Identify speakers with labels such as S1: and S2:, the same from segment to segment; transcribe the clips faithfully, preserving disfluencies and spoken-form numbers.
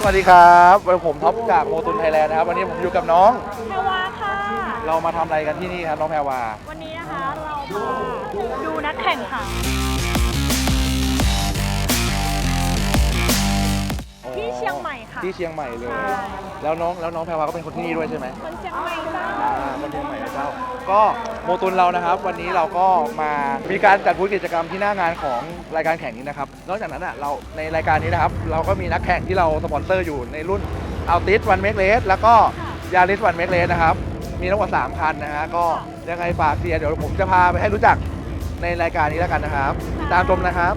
S1: วัสดีครับผมท็อปจากโมตุนไทยแลนด์นะครับวันนี้ผมอยู่กับน้อง
S2: แพรวาค่ะ
S1: เรามาทำอะไรกันที่นี่ครับน้องแพรวา
S2: วันนี้นะคะเรามาดูนักแข่งค่ะที่เชียงใหม่ค่ะ
S1: ที่เชียงใหม่เลยแล้วน้องแล้วน้องแพรวาก็เป็นคนที่นี่ด้วยใช่ไหม
S2: คนเชียงใหม่จ้า
S1: คนเชียงใหม่เจ้าก็โมตุนเรานะครับวันนี้เราก็มามีการจัดบูธกิจกรรมที่หน้างานของรายการแข่งนี้นะครับนอกจากนั้นอ่ะเราในรายการนี้นะครับเราก็มีนักแข่งที่เราสปอนเซอร์อยู่ในรุ่นอัลติสวันเมกเลสแล้วก็ยาริสวันเมกเลสนะครับมีทั้งหมดสามคันนะฮะก็ยังไงฝากเชียร์เดี๋ยวผมจะพาไปให้รู้จักในรายการนี้แล้วกันนะครับติดตามชมนะครับ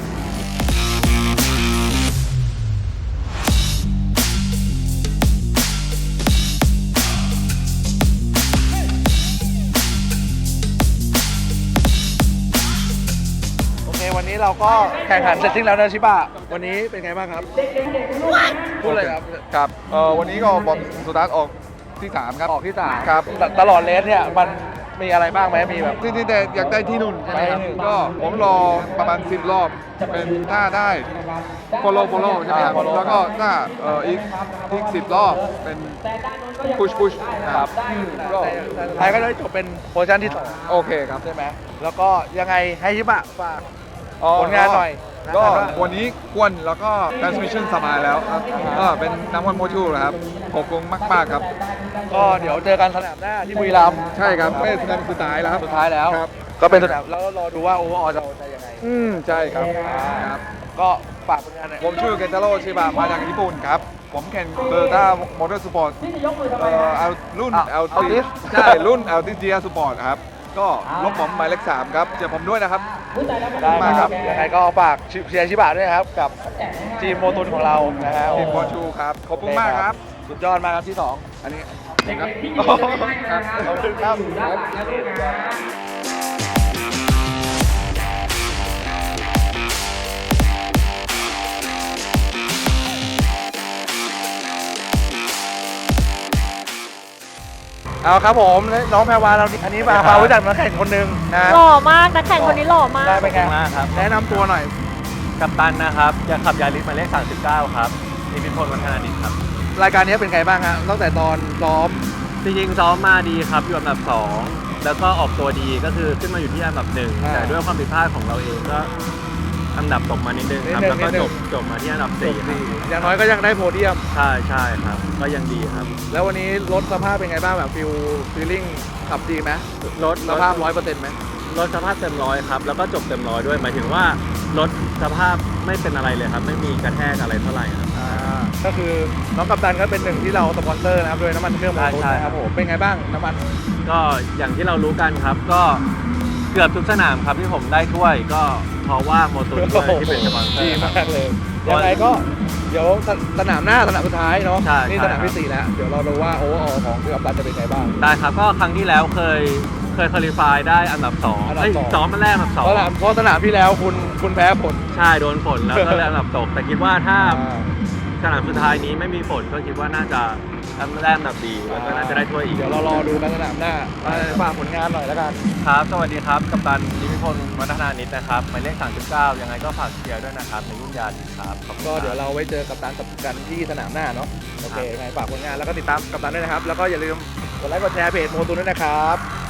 S1: วันนี้เราก็แข่งขันเสร็จสิ้นแล้วนะชิบะวันนี้เป็นไงบ้างครับพูดเลยครับ
S3: ครับเอ่อวันนี้ก็บอลสุดท้ายออกที่สามครับ
S1: ออกที่สาม
S3: ครับ
S1: ตลอดเลสเนี่ยมันมีอะไรบ้างไหมมีแบบ
S3: จริงๆแต่อยากได้ที่นุ่นใช่ไหมครับก็ผมรอประมาณสิบรอบเป็นถ้าได้โฟโล่โฟโล่ใช่ไหมครับแล้วก็ถ้าเอ่ออีกอีกสิบรอบเป็นพุชพุชครับ
S1: ก็ไทยก็ได้จบเป็นโพสชั่นที่สอง
S3: โอเคครับ
S1: ใช่ไหมแล้วก็ยังไงให้ชิบะฝากผลงานหน่อย
S3: ก็วันนี้กวนแล้วก็ transmission สบายแล้วครับก็เป็นน้ำมันโมชูนะครับขอบคุณมากๆครับ
S1: ก็เดี๋ยวเจอกันสนามหน้าที่บุรีรัมย์
S3: ใช่ครับเป็นสนามสุดท้ายแล้วครับ
S1: สุดท้ายแล้ว
S3: ครับ
S1: ก็เป็นสนามแล้วรอดูว่าโอเวอร์ออลจะจะยังไง
S3: อืมใช่ครับครับ
S1: ก็ฝากผลงานหน่อย
S3: ผมชื่อเกนทาโร่ชิบะมาจากญี่ปุ่นครับผมแข่งโตโยต้ามอเตอร์สปอร์ตเอ่อเอารุ่น แอล ที ใช่รุ่น แอล ที จี อาร์ Sport ครับก็ลบผมหมายเลขสามครับเจอผมด้วยนะครับ
S1: ได้มาครับยังไงก็ฝากเชียร์ชิบะด้วยครับกับทีมโมตุนของเรานะฮะ
S3: ทีมโมชูครับขอบคุณมากครับ
S1: สุดยอดมากครับที่สอง
S3: อันนี้ครับ
S1: ขอบคุณครับเอาครับผมน้องแพรวาเราอันนี้มาพารู้จักนักแข่งคนหนึ่งนะ
S2: หล่อมากนักแข่งคนนี้หล่อมาก
S1: ได้เป็นไง
S4: มากครับ
S1: แนะนำตัวหน่อย
S4: กัปตันนะครับจะขับยาริสหมายเลขสามสิบเก้าครับนิพิพลวัฒนานิตครับ
S1: รายการนี้เป็นไงบ้างฮะตั้งแต่ตอนซ้อม
S4: จริงๆซ้อมมาดีครับอยู่อันดับสองแล้วก็ออกตัวดีก็คือขึ้นมาอยู่ที่อันดับหนึ่งแต่ด้วยความผิดพลาดของเราเองก็อันดับตกมานิดนึงครับแล้วก็จบจบมาที่อันดับสี่
S1: อย่างน้อยก็ยังได้โพเดียม
S4: ใช่ใช่ครับก็ยังดีครับ
S1: แล้ววันนี้รถสภาพเป็นไงบ้างแบบฟิลฟีลลิ่งขับดีไหมรถสภาพร้อยเปอร์เซ็นต์ไหม
S4: รถสภาพเต็มร้อยครับแล้วก็จบเต็มร้อยด้วยหมายถึงว่ารถสภาพไม่เป็นอะไรเลยครับไม่มีกระแทกอะไรเท่าไหร่ครับ
S1: ก็คือน้องกัปตันก็เป็นหนึ่งที่เราสปอนเซอร์นะครับโดยน้ำมันเครื่องโมตุนนะครับผมเป็นไงบ้างน้ำมัน
S4: ก็อย่างที่เรารู้กันครับก็เกือบทุกสนามครับที่ผมได้ถ้วยก็เพราะว่าโมตุนที่เป็นสปอนเซอร์
S1: ดีมากเลยยังไงก็เดี๋ยวสนามหน้าสนามสุดท้ายเนาะนี่สนามที่สี่แล้วเดี๋ยวเราดูว่าโอเวอร์ออลของกัปตันจะเป็นไงบ้าง
S4: ได้ครับก็ครั้งที่แล้วเคยเคยคุริฟายได้อันดับสองเอ้ยซ้อมมาแรกอันดับสอง
S1: เพราะสนามที่แล้วคุณคุณแพ้ฝน
S4: ใช่โดนฝนแล้วก็เลยอันดับตกแต่คิดว่าถ้าสนามสุดท้ายนี้ไม่มีฝนก็คิดว่าน่าจะแรกอันดับดีแล้วก็น่าจะได้ถ้วยอีก
S1: เดี๋ยวเรารอดูกันสนามหน้าฝากผลงานหน่อยแล้วกัน
S4: ครับสวัสดีครับกัปตันนิพิพลวัฒนานิตนะครับหมายเลขสามสิบเก้ายังไงก็ฝากเชียร์ด้วยนะครับในรุ่นยาริสครับ
S1: ก็เดี๋ยวเราไว้เจอกัปตันกันที่สนามหน้าเนาะโอเคยังไงฝากผลงานแล้วก็ติดตามกัปตันด้วยนะครับแล้วก็อย่าลืมกดไลค์กดแชร์เพจโมตุนด้วยนะครับ